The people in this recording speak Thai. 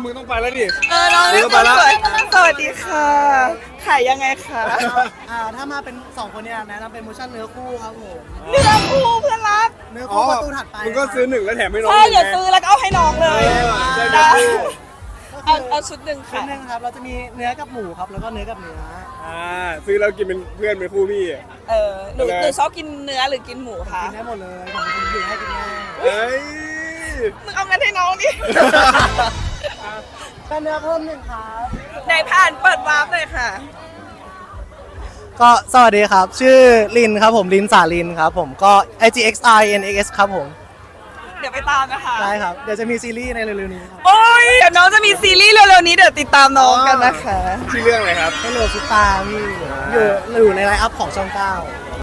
มึงต้องไปแล้วดิน้องเออไปละสวัสดีค่ะขายยังไงคะถ้ามาเป็น2คนเนี่ยแนะนำเป็นโมชั่นเนื้อคู่ครับผมเนื้อคู่เพื่อนรักเนื้ออ๋อคู่ประตูถัดไปมึงก็ซื้อ1แล้วแถมให้น้องใช่เดี๋ยวซื้อแล้วก็เอาให้น้องเลยได้เอาชุดหนึ่งชิ้ค่ะนหนึงครับเราจะมีเนื้อกับหมูครับแล้วก็เนื้อกับเนื้อซื้อแล้วกินเป็นเพื่อนเป็นคู่พี่หนูชอบกินเนื้อหรือกินหมูคะกินได้หมดเลยผมเป็นคนกินให้กินง่ายเฮ้ยมึงเอาเงินให้น้องดิเป็นเนื้อเพิ่มหนึ่งครับไหนผ่านเปิดวาร์ปเลยค่ะก็สวัสดีครับ ชื่อลินครับผมลินสาลินครับผมก็ IGXINX ครับผมเดี๋ยวไปตามนะคะได้ครับเดี๋ยวจะมีซีรีส์ในเร็วๆนี้ครับโอ้ยเดี๋ยวน้องจะมีซีรีส์เร็วๆนี้เดี๋ยวติดตามน้องกันนะคะชื่อเรื่องอะไรครับให้โหลดซุปตาพี่อยู่ในไลน์อัพของช่อง 9